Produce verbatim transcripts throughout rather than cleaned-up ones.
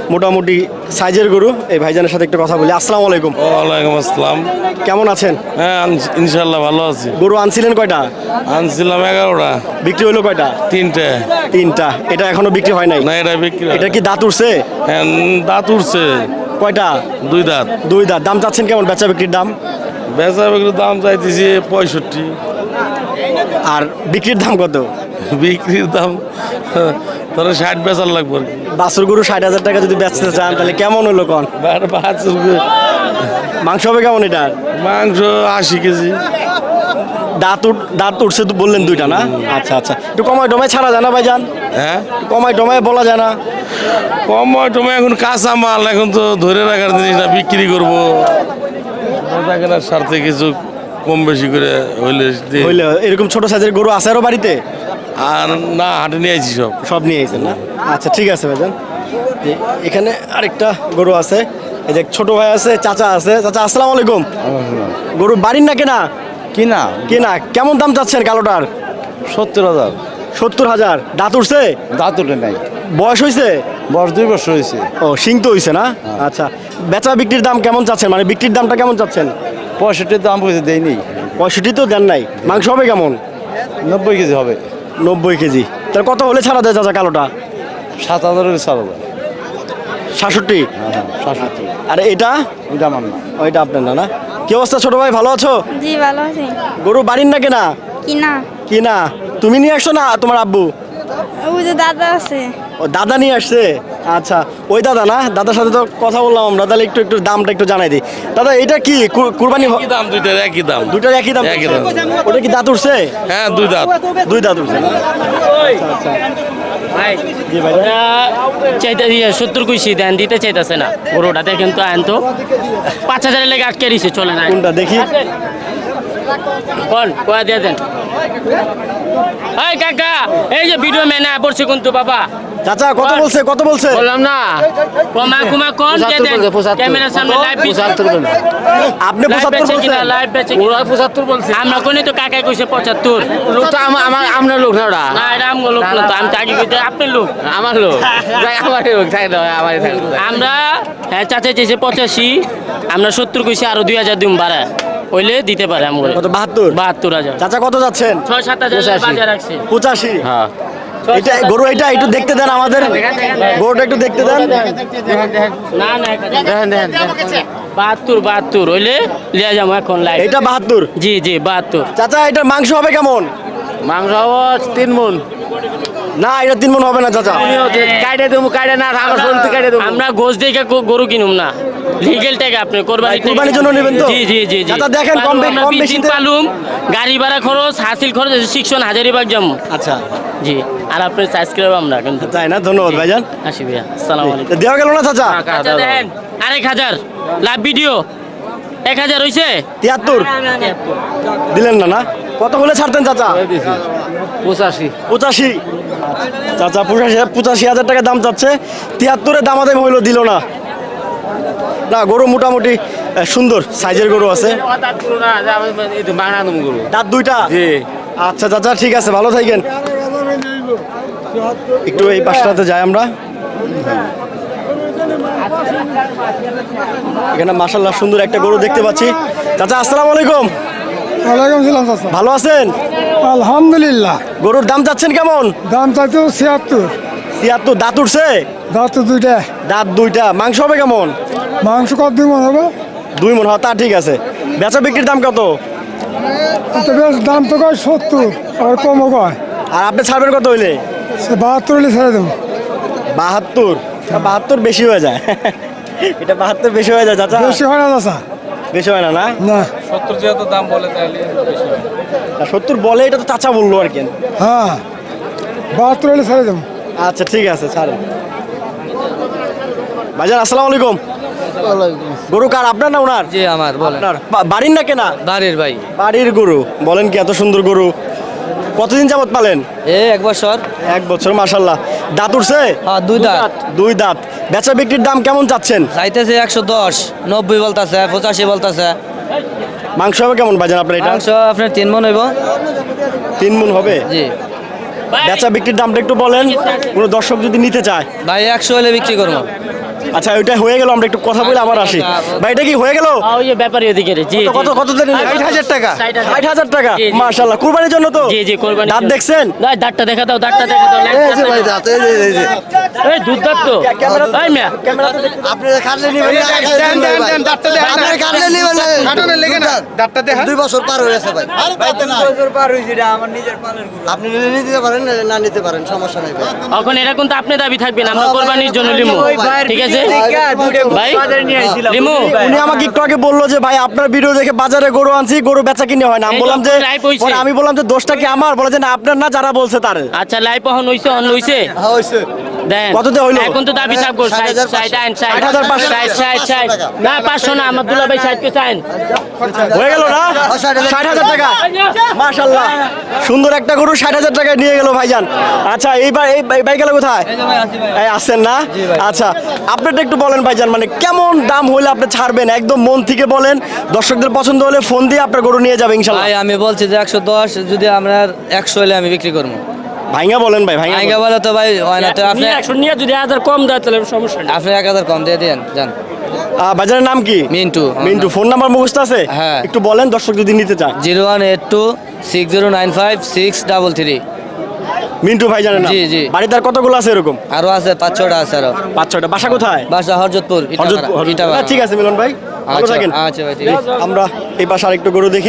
মোটামুটি সাইজের গরু। এই ভাইজানের সাথে একটু কথা বলি। আসসালামু আলাইকুম। ওয়ালাইকুম আসসালাম। কেমন আছেন? হ্যাঁ আন- ইনশাল্লাহ ভালো আছি। গরু আনছিলেন কয়টা? আনছিলাম এগারোটা, বিক্রি হলো কয়টা? তিনটে। তিনটা। এটা এখনো বিক্রি হয় নাই? না এটা বিক্রি হয় এটা না। কি দাঁত উঠছে? হ্যাঁ, উম, দাঁত উঠছে কয়টা? দুই দাঁত। দুই দাঁত। দাম চাচ্ছেন কেমন বেচা বিক্রির দাম? বেচা বিক্রির দাম চাইতেছি পঁয়ষট্টি, আর বিক্রির দাম কত? বিক্রির দাম ধরো ষাট বেচার লাগবে আর কি। বাছুর গরু ষাট হাজার টাকা যদি বেচতে চান তাহলে কেমন হলো কন? আর বাছুর গরু- মাংস হবে কেমন এটার? মাংস আশি কেজি। দাঁত উঠ দাঁত উঠছে তো বললেন দুইটা না? আচ্ছা আচ্ছা, একটু কমায় টমায় ছাড়া যায় না ভাইজান? হ্যাঁ, কমায় টমায় বলা যায় না? কমায় টমায় এখন কাঁচা মাল, এখন তো ধরে রাখার জিনিস না, বিক্রি করবো। বেচা কেনার স্বার্থে কিছু কম বেশি করে হইলে দিই। হইলে এরকম ছোট সাইজের গরু আছে আরো বাড়িতে? আর না, হাটে নিয়ে আইছি সব। সব নিয়ে এসেছেন না? আচ্ছা ঠিক আছে ভাইজান। যে এখানে আরেকটা গরু আছে, এই যে ছোট ভাই আছে, চাচা আছে। চাচা আসসালামু আলাইকুম। গরু বাড়ির না কেনা? কিনা কেনা। কেমন দাম চাচ্ছেন কালোটার? সত্তর হাজার। সত্তর হাজার। দাঁত উঠছে? দাঁত উঠে নাই, বয়স হয়েছে? বয়স দুই বছর হয়েছে। ও সিং তো হয়েছে না? আচ্ছা, বেচা বিক্রির দাম কেমন চাচ্ছেন, মানে বিক্রির দামটা কেমন চাচ্ছেন? পঁয়ষট্টির দাম পয়সা দেয়নি। পঁয়ষট্টি তো দেন নাই। মাংস হবে কেমন? নব্বই কেজি হবে। নব্বই কেজি। তাহলে কত হলে ছাড়া দেয় চাচা কালোটা? সাত হাজার সাত হাজার। সাতষট্টি। সাতষট্টি। আর এটা? এটা আমার না। ওইটা আপনার না না? কি অবস্থা ছোট ভাই, ভালো আছো? জি ভালো আছি। গরু বাড়ির না কেনা? কিনা। কিনা। তুমি নিয়ে আসছো না তোমার আব্বু? ওই যে দাদা আছে। ও দাদা নিয়ে আসছে। আচ্ছা, ওই দাদা না? দাদার সাথে তো কথা বললাম আমরা, তাহলে একটু একটু দামটা একটু জানাই দিই। দাদা এটা কি কু- কুরবানি হ- একই দাম, দুইটার একই দাম। দুইটার একই দাম? একই দাম। ওটা কি দাঁত উঠছে? হ্যাঁ, দুই দাঁত। দুই দাঁত উঠছে না? আচ্ছা, আচ্ছা। জি ভাই। চাইতে সত্তর কুইশি দেন, দিতে চাইতেছে না গরুটা। দেখেন তো আইন তো পাঁচ হাজারের লেগে আটকে দিছে, চলে না। কোনটা দেখি? কোন কয়া দিয়ে দেন। এই কাকা, এই যে ভিডিও মেনে পড়ছে কিন্তু বাবা। চাচা কত বলছে, কত বলছে? বললাম না কমা কুমা কোন দিয়ে দেন। ক্যামেরার সামনে লাইভ পঁচাত্তর আপনি লাইভ পঁচাত্তর বেচে কিনা, বলছেন? লাইভ বেচে কিনা। পঁচাত্তর বলছে। আমরা কোনে তো কাকাই কইছে পঁচাত্তর। লোকটা আমার আমার আপনার লোক না ওটা না এটা আমগো লোক না তো, আমি তো আগে কইতে আপনার লোক। আমার লোক যাই আমার লোক থাকে না আমার থাকে আমরা হ্যাঁ চাচা চেয়েছে পঁচাশি, আমরা সত্তর কইছি, আরো দুই হাজার দিন বাড়া হইলে দিতে পারে আমগো। কত? বাহাত্তর? বাহাত্তর হাজার। চাচা কত যাচ্ছেন? ছয় সাত হাজার বাজার রাখছে। পঁচাশি। হ্যাঁ এটা গরু, এটা একটু দেখতে দেন আমাদের, গরুটা একটু দেখতে দেন। না না দেখেন দেখেন বাহাত্তর বাহাত্তর হইলে লিয়া যাবো এখন লাইভ। এটা বাহাত্তর? জি জি বাহাত্তর। চাচা এটার মাংস হবে কেমন? মাংস হবো তিন মন। না এটা তিন মন হবে না চাচা। কাইটে দেবো, কাইটে না আমার শরীর কাইটে দেবো। আমরা গোস দেখে গো- গরু কিনুম না, লিগেল টাকা আপনি কোরবানি ভাই, কোরবানির জন্য নেবেন তো? জি জি জি জি। চাচা দেখেন, কম বে- আমরা কম বিশ দিন বেশিতে- পালুম, গাড়ি ভাড়া খরচ, হাসিল খরচ, শিক্ষণ হাজারিবাগ যাবো। আচ্ছা জি, আর আপনি সাবস্ক্রাইব আমরা কিন্তু। তাই না? ধন্যবাদ ভাইজান। আসি ভাইয়া, আসসালামু আলাইকুম। তা দেওয়া গেল না চাচা? আচ্ছা দেখেন, আরেক হাজার লাভ ভিডিও এক হাজার হয়েছে। তিয়াত্তর দিলেন না না? কত হলে ছাড়তেন চাচা? পঁচাশি। পঁচাশি। চাচা পঁচাশি পঁচাশি হাজার টাকা দাম চাচ্ছে, তিয়াত্তরে দামাদামি হইলো, দিল না। না গরু মোটামুটি আহ, সুন্দর সাইজের গরু আছে। বাংলা তুমি গরু দাঁত দুইটা? জি। আচ্ছা চাচা ঠিক আছে, ভালো থাকেন। একটু এই পাশটাতে যাই আমরা। এখানে মাশাআল্লাহ সুন্দর একটা গরু দেখতে পাচ্ছি। চাচা আসসালামু আলাইকুম। ওয়ালাইকুম সালাম চাচা। ভালো আছেন? আলহামদুলিল্লাহ। গরুর দাম চাচ্ছেন কেমন? দাম চাইতো ছিয়াত্তর। তিয়াত্তর। দাঁত উঠছে? দাঁত তো দুইটা। দাঁত দুইটা। মাংস হবে কেমন? মাংস কত দুই মন হবে? দুই মন হয়, তা ঠিক আছে। বেচা বিক্রির দাম কত? তো বেশ দাম তো কয় সত্তর, আর কমও কয়। আর আপনি ছাড়বেন কত হইলে? সে বাহাত্তর হলে ছেড়ে দেবো। বাহাত্তর? বাহাত্তর বেশি হয়ে যায়। এটা বাহাত্তর বেশি হয়ে যায় চাচা? বেশি হয় না চাচা। বেশি হয় না না? না। সত্তর যেহেতু দাম বলে তাহলে না, সত্তর বলে, এটা তো চাচা বললো আর কি। হ্যাঁ, বাহাত্তর হলে ছেড়ে দেবো। আচ্ছা ঠিক আছে, ছাড়েন। ভাইজান আসসালামু আলাইকুম। গরু কার, আপনার না ওনার? জি আমার বলেন। আপনার। বা- বাড়ির না কেনা? বাড়ির ভাই। বাড়ির গরু। বলেন কি, এত সুন্দর গরু কতদিন যাবত পালেন? এ এক বছর। এক বছর। মাশাল্লাহ। দাঁত উঠছে? হ্যাঁ দুই দাঁত। দুই দাঁত। বেচা বিক্রির দাম কেমন চাচ্ছেন? চাইতেছে একশো দশ, নব্বই বলতেছে, পঁচাশি বলতেছে। মাংস হবে কেমন ভাইজান আপনার এটা? মাংস আপনার তিন মন হইব। তিন মন হবে? জি বেচা বিক্রির দামটা একটু বলেন, কোনো দর্শক যদি নিতে চায়। ভাই একশো হলে বিক্রি করবো। আচ্ছা ওইটা হয়ে গেল, আমরা একটু কথা বলে আবার আসি। ভাই এটা কি হয়ে গেল? আ, ওই যে ব্যাপারী ওদিকে রে, জি কত কত দিন? ষাট হাজার টাকা। ষাট হাজার। ষাট হাজার টাকা, জি, জি। মাশাআল্লাহ। কুরবানির জন্য তো? জি জি কোরবানি দাঁত দেখছেন? না, দাঁতটা দেখা দাও, দাঁতটা দেখা দাও। এই দুধ দাঁত তো এই মিয়া দুই বছর পার হয়ে গেছে ভাই আপনি নিলে নিতে পারেন না নিতে পারেন সমস্যা নাই ভাই। এখন এটা কিন্তু আপনি দাবি থাকবেন, আমরা কোরবানির জন্য লিমু, ঠিক আছে ভাই লিমু। উনি আমাকে একটু আগে বললো যে ভাই আপনার ভিডিও দেখে বাজারে গরু আনছি, গরু বেচা কিনে হয় না। আমি এই বললাম যে যখন live হইছে। পরে আমি বললাম যে দোষটা কি আমার? বলে যে না আপনার না, যারা বলছে তার। আচ্ছা লাইভ হন হইছে, হন হইছে হ্যাঁ হইছে দেন কততে হইলো? এখন তো দাবি থাকবো ষাট হাজার ষাট আইন ষাট ষাট হাজার পাঁচশো। ষাট ষাট ষাট না পাঁচশো না, আমার দুলা ভাই ষাট কে চাইন হয়ে গেল না? ষাট হাজার। ষাট হাজার টাকা, মাশাআল্লাহ। সুন্দর একটা গরু ষাট হাজার টাকায় নিয়ে গেল ভাইজান। আচ্ছা এইবার এই ভাই- ভাই গেল কোথায়? এই আসছেন না? আচ্ছা আপনারটা একটু বলেন ভাইজান, মানে কেমন দাম হলে আপনি ছাড়বেন? একদম মন থেকে বলেন, দর্শকদের পছন্দ হলে ফোন দিয়ে আপনার গরু নিয়ে যাবে ইনশাল্লাহ। ভাই আমি বলছি যে একশো দশ, যদি আমরা একশো হলে আমি বিক্রি করবো। ভাইঙ্গা বলেন ভাই, ভাইঙ্গা আইগা বলেন। বলে তো ভাই হয় না, তো আপনি নিয়ে একশো নিয়ে যদি হাজার কম দেয় তাহলে সমস্যা নেই। আপনি এক হাজার কম দিয়ে দেন যান। আহ, বাজারের নাম কি? মিন্টু। মিন্টু। ফোন নাম্বার মুখস্থ আছে? হ্যাঁ। একটু বলেন দর্শক যদি নিতে চায়। Zero one eight two six zero nine five six double three. Mintu ভাইজানের নাম। জি, জি। বাড়িতে আর কতগুলো আছে এরকম? আরো আছে পাঁচ ছটা আছে আরো। পাঁচ ছয়টা। বাসা কোথায়? বাসা হরজতপুর হরজতপুর, হরজতপুর। ইটাভাড়া। আচ্ছা, ঠিক আছে মিলন ভাই, ভালো আচ্ছা থাকেন। আচ্ছা ভাই ঠিক আছে। আমরা এই পাশে আরেকটু গরু দেখি।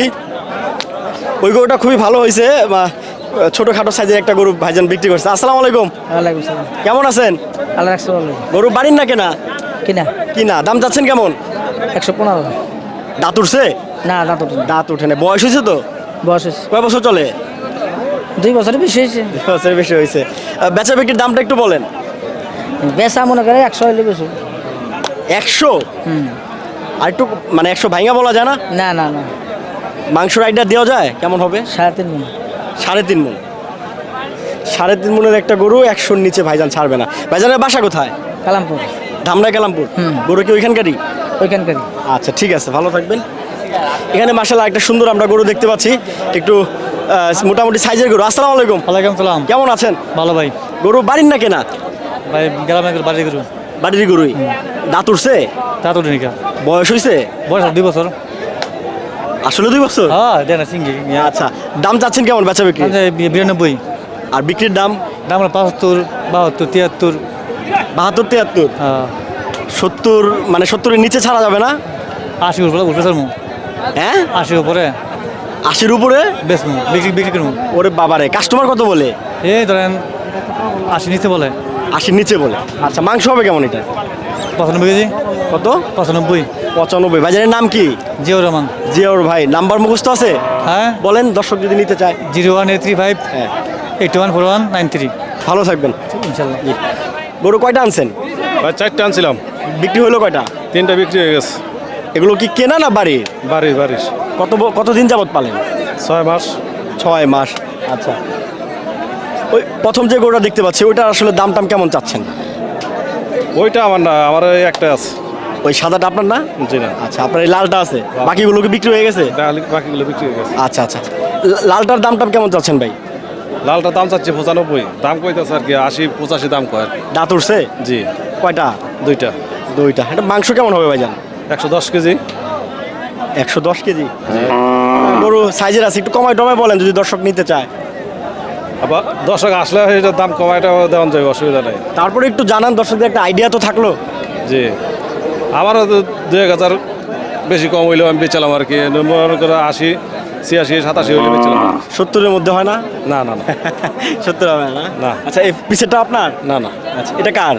ওই গরুটা খুবই ভালো হয়েছে, বা, ছোটখাটো সাইজের একটা গরু ভাইজান বিক্রি করছে। আসসালামু আলাইকুম, ওয়ালাইকুম সালাম। কেমন আছেন? আল্লাহ রাখছে ভালো। গরু বাড়ির না কেনা? কিনা কিনা। দাম চাচ্ছেন কেমন? একশো পনেরো। দাঁত উঠছে? না দাঁত ওঠে না। দাঁত উঠে না। বয়স হয়েছে তো? বয়স হয়েছে কয় বছর চলে? দুই বছরের বেশি হয়েছে। দুই বছরের বেশি হয়েছে। আহ, বেচা বিক্রির দামটা একটু বলেন। বেচা মনে করে একশো হইলে বেশি। একশো? হুম। আর একটু মানে একশো ভাইঙ্গা বলা যায় না? না না না, মাংসর আইডিয়া দেওয়া যায় কেমন হবে? সাড়ে তিন মন। সাড়ে তিন মন। সাড়ে তিন মনের একটা গরু একশোর নিচে ভাইজান ছাড়বে না। ভাইজানের বাসা কোথায়? কালামপুর ধামরাই কালামপুর। হুম। গরু কি ওইখানকারই? ওইখানকারই। আচ্ছা ঠিক আছে, ভালো থাকবেন। এখানে মাশাআল্লাহ একটা সুন্দর আমরা গরু দেখতে পাচ্ছি, একটু আহ, মোটামুটি সাইজের গরু। আসসালামু আলাইকুম, ওয়ালাইকুম সালাম। কেমন আছেন? ভালো ভাই। গরু বাড়ির না কেনা? ভাই গ্রামের বাড়ি করুন। বাড়ির গরুই। দাঁত উঠছে? তা তো নিকা বয়স হয়েছে? বয়স দুই বছর। আসলে দুই বছর? হ্যাঁ দেন সিঙ্গি। আচ্ছা দাম চাচ্ছেন কেমন বেচা বিক্রি? বিরানব্বই। আর বিক্রির দাম? দাম পাঁচাত্তর, বাহাত্তর, তিয়াত্তর। বাহাত্তর তিয়াত্তর? হ্যাঁ সত্তর, মানে সত্তরের নিচে ছাড়া যাবে না? আশি উপরে উঠবে স্যার। হ্যাঁ আশির উপরে আশির উপরে বেশ বিক্রি বিক্রি করবো। ওরে বাবারে, কাস্টমার কত বলে? এই ধরেন আশি নিচে বলে। আশির নিচে বলে। আচ্ছা মাংস হবে কেমন এটা? পঁচানব্বই কেজি। কত? পঁচানব্বই। পঁচানব্বই। বাজারের নাম কি? জিও রহমান। জিয়াউর ভাই। নাম্বার মুখস্থ আছে? হ্যাঁ বলেন দর্শক যদি নিতে চায়। Zero one eight three five হ্যাঁ। Eight one four one nine three. ভালো থাকবেন ইনশাল্লাহ। গরু কয়টা আনছেন? ভাই চারটে আনছিলাম, বিক্রি হলো কয়টা? তিনটা বিক্রি হয়ে গেছে। এগুলো কি কেনা না বাড়ি? বাড়ির বাড়ির কত ব- কতদিন যাবত পালেন? ছয় মাস। ছয় মাস। আচ্ছা ওই প্রথম যে গরুটা দেখতে পাচ্ছি ওইটা আসলে দাম টাম কেমন চাচ্ছেন? ওইটা আমার না, আমার ওই একটা আছে। ওই সাদাটা আপনার না? জি না, আচ্ছা আপনার এই লালটা আছে, বাকিগুলো কি বিক্রি হয়ে গেছে? ডাল- বাকিগুলো বিক্রি হয়ে গেছে। আচ্ছা আচ্ছা। লা- লালটার দাম টাম কেমন চাচ্ছেন ভাই? লালটা দাম চাচ্ছে পঁচানব্বই, দাম কইতেছে আর কি আশি পঁচাশি দাম কয় আর কি। দাঁত উঠছে? জি কয়টা? দুইটা। দুইটা। এটা মাংস কেমন হবে ভাইজান? একশো দশ কেজি। একশো দশ কেজি। গরু সাইজের আছে, একটু কমায় টমায় বলেন যদি দর্শক নিতে চায়। আবার দর্শক আসলে এটার দাম কমাইটা দেওয়া যায়, অসুবিধা নেই। তারপরে একটু জানান দর্শকদের, একটা আইডিয়া তো থাকলো। জি আমারও তো দুই এক হাজার বেশি কম হইলেও আমি বেচালাম আর কি। মনে করে আশি ছিয়াশি সাতাশি হইলে বেচালাম। সত্তরের মধ্যে হয় না? না না না সত্তর হবে না? না। আচ্ছা এই পিছেরটা আপনার? না না। আচ্ছা এটা কার?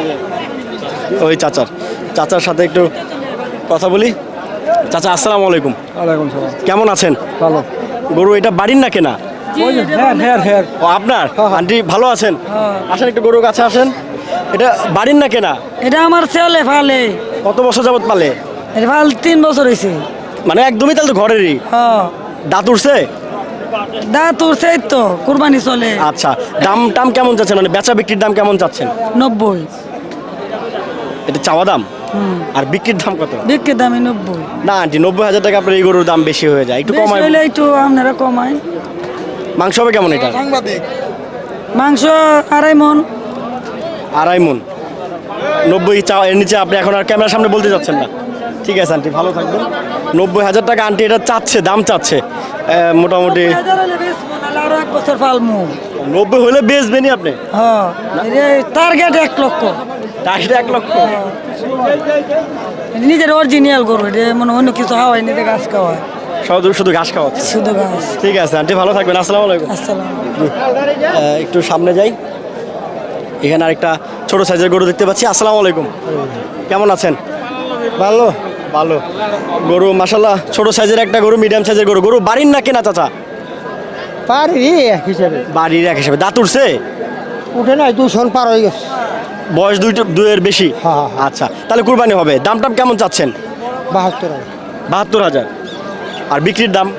ওই চাচার। চাচার সাথে একটু কথা বলি। চাচা আসসালামু আলাইকুম, ওয়ালাইকুম সালাম। কেমন আছেন? ভালো। গরু এটা বাড়ির না কেনা? হ্যাঁ হ্যাঁ হ্যাঁ। ও আপনার? আন্টি ভালো আছেন? আসেন একটু গরুর কাছে আসেন। এটা বাড়ির না কেনা? এটা আমার ছেলে ফালে। কত বছর যাবত পালে? এটা ফাল তিন বছর হয়েছে। মানে একদমই তাহলে তো ঘরেরই। হ্যাঁ দাঁত উঠছে? দাঁত উঠছে তো, কুরবানি চলে। আচ্ছা দাম টাম কেমন চাচ্ছেন, মানে বেচা বিক্রির দাম কেমন চাচ্ছেন? নব্বই। এটা চাওয়া দাম? আর বিক্রির দাম কত? বিক্রির দামে নব্বই। না আন্টি, নব্বই হাজার টাকা আপনার এই গরুর দাম বেশি হয়ে যায়, একটু বেশি কমায়। হইলে একটু আপনারা কমায়। মাংস হবে কেমন এটা? মাংস আড়াই মন। আড়াই মন। নব্বই চা এর নিচে আপনি এখন আর ক্যামেরার সামনে বলতে যাচ্ছেন না। ঠিক আছে আন্টি, ভালো থাকবেন। নব্বই হাজার টাকা আন্টি এটা চাচ্ছে, দাম চাচ্ছে এ, মোটামুটি আরো এক বছর পালমু। নব্বই হলে বেচবেনি আপনি? হ্যাঁ টার্গেট এক লক্ষ। টাকা এক লক্ষ? নিজের অরিজিনাল গরু, এটা মনে অন্য কিছু হাওয়াই নিজে ঘাস খাওয়ায়, শুধু শুধু ঘাস খাওয়াচ্ছে? শুধু ঘাস। ঠিক আছে আন্টি, ভালো থাকবেন। আসসালামু আলাইকুম। আসসালাম। আহ, একটু সামনে যাই, এখানে আরেকটা ছোট সাইজের গরু দেখতে পাচ্ছি। আসসালামু আলাইকুম, কেমন আছেন? ভালো। ভালো। গরু মাশাল্লাহ ছোট সাইজের একটা গরু, মিডিয়াম সাইজের গরু। গরু বাড়ির না কেনা চাচা? পারি এক হিসাবে। বাড়ির এক হিসেবে। দাঁত উঠছে? উঠে নাই, দুশন পার হয়ে গেছে। বয়স দুইটা দুইয়ের বেশি? হ্যাঁ, হ্যাঁ, হ্যাঁ। আচ্ছা, তাহলে কুরবানি হবে। দাম টাম কেমন চাচ্ছেন? বাহাত্তর হাজার। বাহাত্তর হাজার। আর বিক্রির দাম?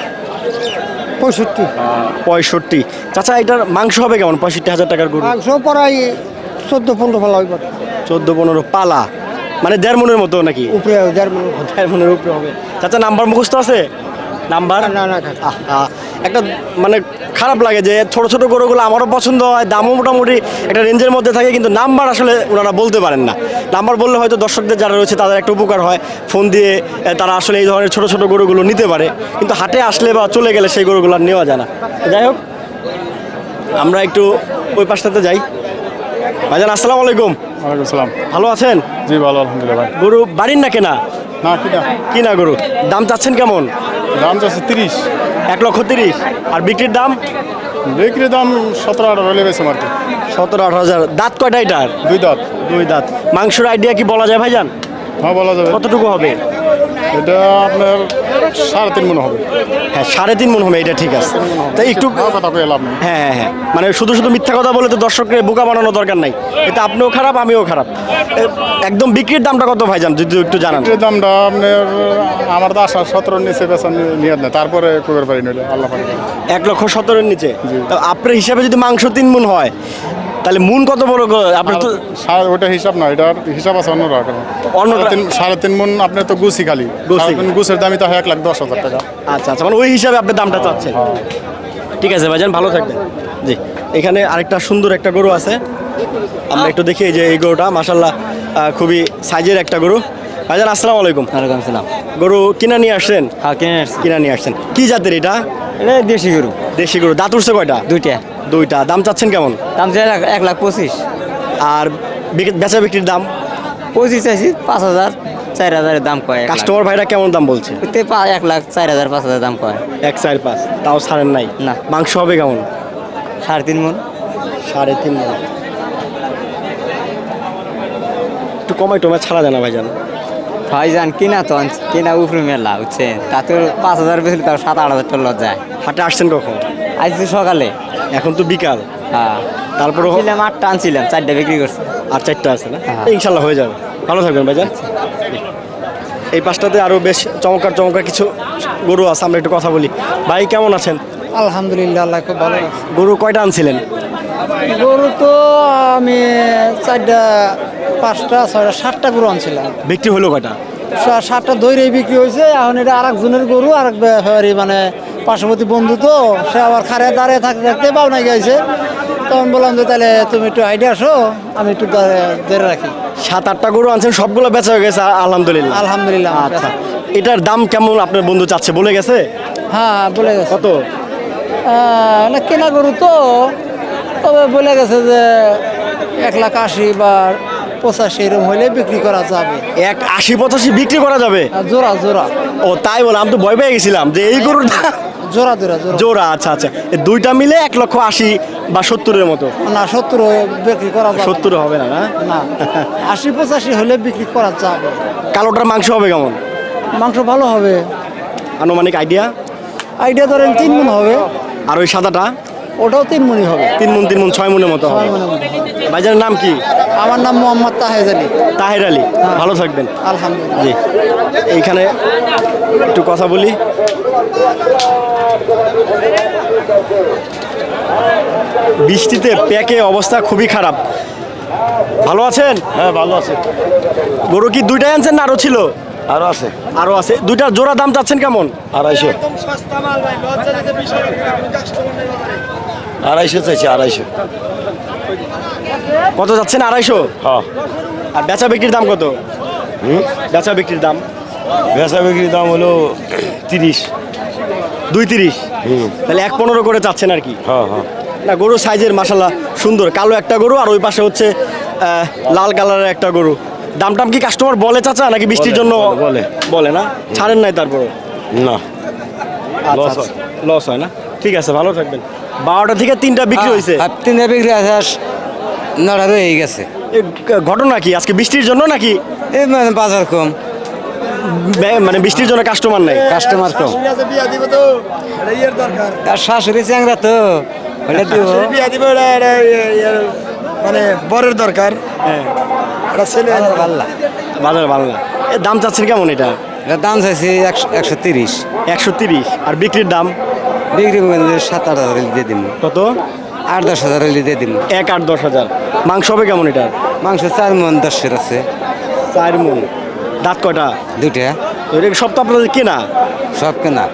পঁয়ষট্টি। পঁয়ষট্টি। চাচা এটার মাংস হবে কেমন? পঁয়ষট্টি হাজার টাকার গরু মাংস পড়াই চোদ্দ পনেরো ভালো হইব। চোদ্দো পনেরো পালা, মানে দেড় মনের মতো নাকি? উপরে দেড় মনে। দেড় মনের উপরে হবে। চাচা নাম্বার মুখস্থ আছে? নাম্বার? না না আহা, একটা মানে খারাপ লাগে যে ছোট ছোট গরুগুলো আমারও পছন্দ হয়, দামও মোটামুটি একটা রেঞ্জের মধ্যে থাকে, কিন্তু নাম্বার আসলে ওনারা বলতে পারেন না। নাম্বার বললে হয়তো দর্শকদের যারা রয়েছে তাদের একটা উপকার হয়, ফোন দিয়ে এ, তারা আসলে এই ধরনের ছোট ছোট গরুগুলো নিতে পারে, কিন্তু হাটে আসলে বা চলে গেলে সেই গরুগুলো আর নেওয়া যায় না। যাই হোক, আমরা একটু ওই পাশটাতে যাই। ভাইজান আসসালামু আলাইকুম। ওয়ালাইকুম সালাম। ভালো আছেন? জি ভালো, আলহামদুলিল্লাহ ভাই। গরু বাড়ির না কেনা? না কিনা। কিনা গরু। দাম চাচ্ছেন কেমন? দাম চাচ্ছে তিরিশ। এক লক্ষ তিরিশ। আর বিক্রির দাম? বিক্রির দাম সতেরো আঠারো হলে বেশি আর কি। সতেরো আঠারো হাজার। দাঁত কয়টা এটার? দুই দাঁত। দুই দাঁত। মাংসের আইডিয়া কি বলা যায় ভাইজান? হ্যাঁ বলা যাবে। কতটুকু হবে? এটা আপনার সাড়ে তিন মনে হবে। হ্যাঁ সাড়ে তিন মন হবে, এটা ঠিক আছে। তাই একটু কথা কয়ে লাভ নেই। হ্যাঁ হ্যাঁ হ্যাঁ, মানে শুধু শুধু মিথ্যা কথা বলে তো দর্শককে বোকা বানানোর দরকার নাই। এটা আপনিও খারাপ, আমিও খারাপ। এ, একদম বিক্রির দামটা কত ভাইজান যদি একটু জানান? বিক্রির দামটা আপনার আমার তো আশা সতেরোর নিচে বেচা নিয়ে নেই, তারপরে কুবের পারি নইলে আল্লাহ পারি। এক লক্ষ সতেরোর নিচে? জি। তো আপনার হিসাবে যদি মাংস তিন মন হয় তাহলে মুন কত বড় গো- আপনার তো সাড়ে ওটা হিসাব না, এটার হিসাব আছে অন্য রকম। অন্য- সাড়ে তিন সাড়ে তিন মন আপনার তো গুছি খালি। গুছি। সাড়ে তিন গুছের দামই তো হয় এক লাখ দশ হাজার টাকা। আচ্ছা আচ্ছা, মানে ওই হিসাবে আপনি দামটা চাচ্ছেন। ঠিক আছে ভাইজান, ভালো থাকবেন। জি, এখানে আরেকটা সুন্দর একটা গরু আছে, আমরা একটু দেখি। এই যে এই গরুটা মাশাল্লাহ আহ, খুবই সাইজের একটা গরু। ভাইজান আসসালামু আলাইকুম। ওয়ালাইকুম সালাম। গরু কিনা নিয়ে আসছেন? হ্যাঁ কিনে আসছি। কিনা নিয়ে আসছেন। কি জাতের এটা? এটা দেশি গরু। দেশি গরু। দাঁত উঠছে কয়টা? দুইটা। দুইটা। দাম চাচ্ছেন কেমন? দাম চাই এক লাখ পঁচিশ। আর বিক- বেচা বিক্রির দাম? পঁচিশ চাইছি, পাঁচ হাজার চার হাজারের দাম কয়। কাস্টমার ভাইরা কেমন দাম বলছে? এক লাখ চার হাজার পাঁচ হাজার দাম কয়। এক চার পাঁচ, তাও ছাড়েন নাই? না। মাংস হবে কেমন? সাড়ে তিন মন। সাড়ে তিন মণ। একটু কমাই টমাই ছাড়া যায় না ভাইজান? ভাইজান কিনা তো আনছি, কিনা উপরে মেলা বুঝছেন, তাতে পাঁচ হাজার বেশি, তাও সাত আট হাজার টাকা যায়। হাটে আসছেন কখন? আজকে সকালে। এখন তো বিকাল। হ্যাঁ তারপরে ছিলাম আটটা আনছিলাম, চারটা বিক্রি করছি। আর চারটা আছে না? হ্যাঁ। ইনশাল্লাহ হয়ে যাবে। ভালো থাকবেন ভাইজান। এই পাশটাতে আরো বেশ চমৎকার চমৎকার কিছু গরু আছে, আমরা একটু কথা বলি। ভাই কেমন আছেন? আলহামদুলিল্লাহ, আল্লাহ খুব ভালো। গরু কয়টা আনছিলেন? গরু তো আমি চারটা পাঁচটা ছয়টা সাতটা গরু আনছিলাম। বিক্রি হলো কয়টা? সা- সাতটা দইরেই বিক্রি হয়েছে। এখন এটা আর একজনের গরু, আর এক ব্যাপারী মানে পার্শ্ববর্তী বন্ধু, তো সে আবার খারে দাঁড়িয়ে থাকতে থাকতে পাওনা গেছে। তখন বললাম যে তাহলে তুমি একটু আইডিয়া আসো, আমি একটু দাঁড়ে- ধরে রাখি। সাত আটটা গরু আনছেন, সবগুলো বেচা হয়ে গেছে আলহামদুলিল্লাহ। আলহামদুলিল্লাহ। আচ্ছা, এটার দাম কেমন আপনার বন্ধু চাচ্ছে বলে গেছে? হ্যাঁ হ্যাঁ, বলে গেছে। কত? আহ, না কেনা গরু তো, তবে বলে গেছে যে এক লাখ আশি বা পঁচাশি এরকম হইলে বিক্রি করা যাবে। এক আশি পঁচাশি বিক্রি করা যাবে? আর জোড়া জোড়া ও তাই বলে, আমি তো ভয় পেয়ে গেছিলাম যে এই গরুর দাম- জোড়া জোড়া জোড়া জোড়া। আচ্ছা আচ্ছা, এই দুইটা মিলে এক লক্ষ আশি বা সত্তরের মতো? না, সত্তর বিক্রি করা যাবে। সত্তর হবে না? না না, আশি পঁচাশি হলে বিক্রি করা যাবে। কালোটার মাংস হবে কেমন? মাংস ভালো হবে। আনুমানিক আইডিয়া? আইডিয়া ধরেন তিন মন হবে। আর ওই সাদাটা? ওটাও তিন মনই হবে। তিন মন তিন মন ছয় মনের মতো হবে। ছয় মনের মতো। ভাইজানের নাম কি? আমার নাম মোহাম্মদ তাহেজ আলী। তাহের আলী। ভালো থাকবেন। আলহামদুলিল্লাহ। জি, এইখানে একটু কথা বলি। বৃষ্টিতে প্যাকে অবস্থা খুবই খারাপ। ভালো আছেন? হ্যাঁ ভালো আছে। গরু কি দুইটাই আনছেন না আরো ছিল? আরো আছে আরো আছে। দুইটার জোড়া দাম চাচ্ছেন কেমন? আড়াইশো। আড়াইশো চাইছি, আড়াইশো। কত যাচ্ছেন? আড়াইশো। হ্যাঁ। আর বেচা বিক্রির দাম কত? বেচা বিক্রির দাম বেচা বিক্রির দাম হলো তিরিশ। দুই তিরিশ, তাহলে এক পনেরো করে চাচ্ছেন আর কি। হ্যাঁ হ্যাঁ না গরু সাইজের মাশাল্লাহ সুন্দর, কালো একটা গরু আর ওই পাশে হচ্ছে আহ, লাল কালারের একটা গরু। দাম টাম কি কাস্টমার বলে চাচা নাকি বৃষ্টির জন্য বলে, বলে না? ছাড়েন নাই তারপরে? না লস হয়, লস হয় না। ঠিক আছে, ভালো থাকবেন। বারোটা থেকে তিনটা বিক্রি হয়েছে। তিনটা বিক্রি আছে, নটা রয়ে গেছে। এ ঘটনা কি আজকে বৃষ্টির জন্য নাকি? এই মানে বাজার কম, বে- মানে বৃষ্টির জন্য কাস্টমার নাই? কাস্টমার কম। আর শাশুড়ি চ্যাংরা তো ওটা দিব। মানে বরের দরকার। হ্যাঁ, একটা ছেলে পাল্লা বাজার ভালো না। এ দাম চাচ্ছেন কেমন এটা? এটার দাম চাইছি একশো একশো তিরিশ। একশো তিরিশ। আর বিক্রির দাম বিক্রি করবেন সাত আট হাজার দিয়ে দিন, কত? আট দশ হাজার দিয়ে দিন। এক আট দশ হাজার। মাংস হবে কেমন এটা? মাংস চার মন দশের আছে। চার মন। দাঁত কয়টা? দুইটা। তো এটা সব তো আপনাদের কেনা? সব কেনা।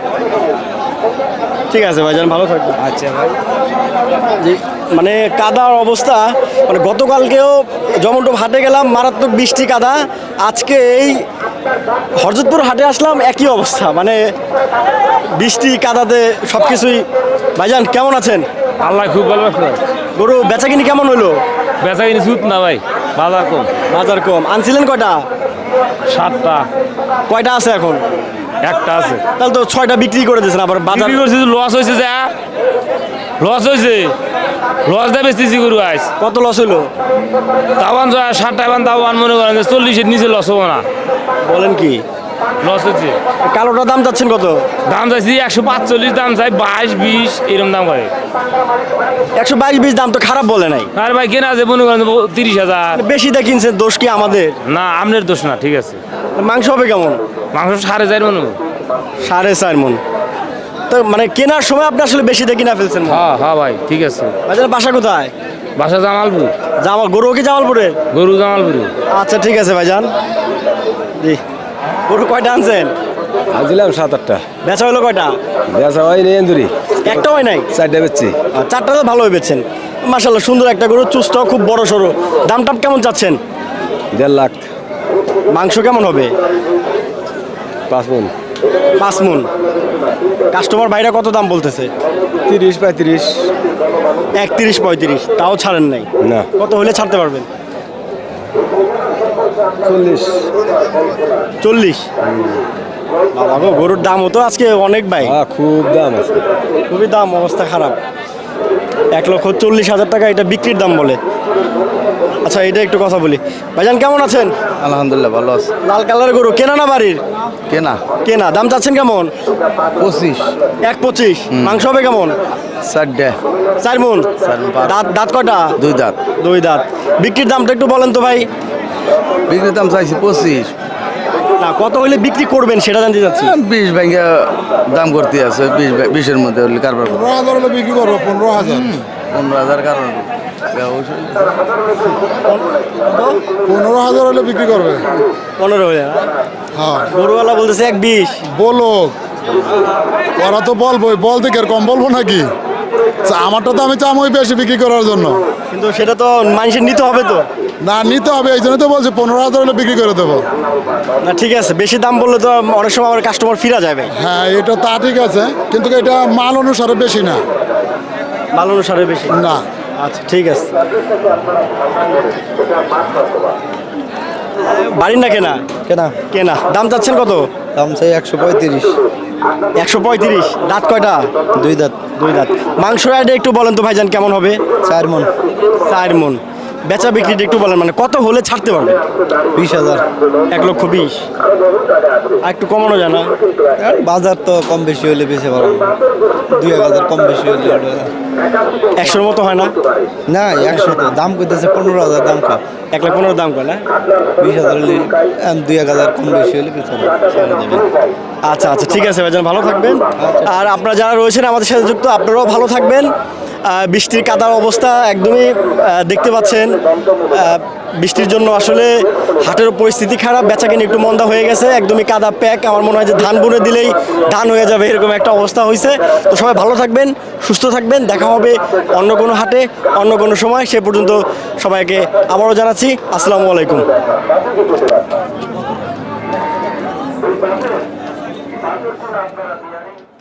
ঠিক আছে ভাইজান, ভালো থাকবেন। আচ্ছা ভাই। যে মানে কাদার অবস্থা, মানে গতকালকেও জমন্টপ হাটে গেলাম, মারাত্মক বৃষ্টি কাদা। আজকে এই হরজতপুর হাটে আসলাম, একই অবস্থা, মানে বৃষ্টি কাদাতে সব কিছুই। ভাইজান কেমন আছেন? আল্লাহ খুব ভালো আছে। গরু বেচা কিনি কেমন হইলো? বেচা কিনি সুদ না ভাই, বাজার কম। বাজার কম। আনছিলেন কয়টা? সাতটা, কয়টা আছে এখন? একটা আছে। তাহলে তো ছয়টা বিক্রি করে দিয়েছেন, আবার বাজার বিক্রি করছি, লস হয়েছে, যা লস হয়েছে, লস দেয় বেচতেছি গরু আজ। কত লস হইলো? তাওয়ান ষাটটা এবার তাওয়ান মনে করেন যে চল্লিশের নিচে লস হবো না। বলেন কি? লস হচ্ছে। কালোটার দাম যাচ্ছেন কত? দাম চাইছি একশো পাঁচচল্লিশ, দাম চাই বাইশ বিশ এরকম দাম করে। একশো বাইশ বিশ দাম তো খারাপ বলে নাই। আর ভাই কেনা আছে মনে করেন তিরিশ হাজার। বেশি দিয়ে কিনছেন, দোষ কি আমাদের? না, আপনার দোষ না, ঠিক আছে। মাংস হবে কেমন? মাংস সাড়ে চার মনে হয়। সাড়ে চার মন। তো মানে কেনার সময় আপনি আসলে বেশি দিয়ে কিনা ফেলছেন। হ্যাঁ হ্যাঁ ভাই, ঠিক আছে। বাজার বাসা কোথায়? বাসা জামালপুর। জামাল গরু কি জামালপুরে? গরু জামালপুরে। আচ্ছা ঠিক আছে ভাইজান। জি, গরু কয়টা আনছেন? আনছিলাম সাত আটটা। বেচা হলো কয়টা? বেচা হয় নি এন্দুরি, একটা হয় নাই? চারটা বেচছি। আর চারটা তো ভালোই বেচছেন মাশাল্লাহ। সুন্দর একটা গরু, চুজটাও খুব বড় সড়ো। দাম টাম কেমন চাচ্ছেন? দেড় লাখ। মাংস কেমন হবে? পাঁচ মন। পাঁচ মন। কাস্টমার বাইরে কত দাম বলতেছে? তিরিশ পঁয়ত্রিশ। একত্রিশ পঁয়ত্রিশ, তাও ছাড়েন নাই? না। কত হলে ছাড়তে পারবেন? চল্লিশ। চল্লিশ? বাবা গো, গরুর দাম হতো আজকে অনেক ভাই, খুব দাম আছে, খুবই দাম, অবস্থা খারাপ। এক লক্ষ চল্লিশ হাজার টাকা এটা বিক্রির দাম বলে। আচ্ছা এটা একটু কথা বলি। ভাইজান কেমন আছেন? আলহামদুলিল্লাহ ভালো আছে। লাল কালারের গরু কেনা না বাড়ির? কেনা। কেনা। দাম চাচ্ছেন কেমন? পঁচিশ। এক পঁচিশ। মাংস হবে কেমন? চারটে। চার মন। দাঁত দাঁত কটা? দুই দাঁত। দুই দাঁত। বিক্রির দামটা একটু বলেন তো ভাই। বিক্রির দাম চাইছি পঁচিশ। না, কত হলে বিক্রি করবেন সেটা জানতে চাচ্ছি। বিশ ব্যাংকে দাম করতে আছে, বিশ বিশের মধ্যে হলে কারবার করবো। পনেরো হাজার হলে বিক্রি করবো। পনেরো হাজার পনেরো হাজার কারণ পনেরো হাজার হলে বিক্রি করবে। পনেরো হলে না? হ্যাঁ গরুওয়ালা বলতেছে এক বিশ। বলো, ওরা তো বলবোই, বল থেকে আর কম বলবো নাকি? আমারটা তো আমি চামই বেশি বিক্রি করার জন্য, কিন্তু সেটা তো মানুষের নিতে হবে তো। না নিতে হবে, এই জন্য তো বলছি পনেরো হাজার হলে বিক্রি করে দেবো। না ঠিক আছে, বেশি দাম বললে তো অনেক সময় আমার কাস্টমার ফিরা যাবে। হ্যাঁ এটা তা ঠিক আছে, কিন্তু এটা মাল অনুসারে বেশি না। মাল অনুসারে বেশি না। আচ্ছা ঠিক আছে। বাড়ির না কেনা? কেনা। কেনা। দাম চাচ্ছেন কত? দাম চাই একশো পঁয়ত্রিশ। একশো পঁয়ত্রিশ। দাঁত কয়টা? দুই দাঁত। দুই দাঁত। মাংস আইডে একটু বলেন তো ভাইজান কেমন হবে? চার মন। চার মন। বেচা বিক্রিটা একটু বলেন, মানে কত হলে ছাড়তে পারবে? বিশ হাজার। এক লক্ষ বিশ। আর একটু কমানো যায় না? বাজার তো কম বেশি হলে বেশি পারবো, দুই এক হাজার কম বেশি হলে। একশোর মতো হয় না? না একশো তো দাম করতেছে পনেরো হাজার দাম খা। এক লাখ পনেরো দাম করে না? বিশ হাজার হলে দুই এক হাজার কম বেশি হলে বেশি আচ্ছা আচ্ছা ঠিক আছে ভাইজান, ভালো থাকবেন। আর আপনারা যারা রয়েছেন আমাদের সাথে যুক্ত, আপনারাও ভালো থাকবেন। আহ, বৃষ্টির কাদার অবস্থা একদমই আহ, দেখতে পাচ্ছেন। আহ, বৃষ্টির জন্য আসলে হাটের পরিস্থিতি খারাপ, বেচাকেনি একটু মন্দা হয়ে গেছে, একদমই কাদা প্যাক। আমার মনে হয় যে ধান বুনে দিলেই ধান হয়ে যাবে, এরকম একটা অবস্থা হয়েছে। তো সবাই ভালো থাকবেন, সুস্থ থাকবেন, দেখা হবে অন্য কোনো হাটে অন্য কোনো সময়। সে পর্যন্ত সবাইকে আবারও জানাচ্ছি আসসালামু আলাইকুম।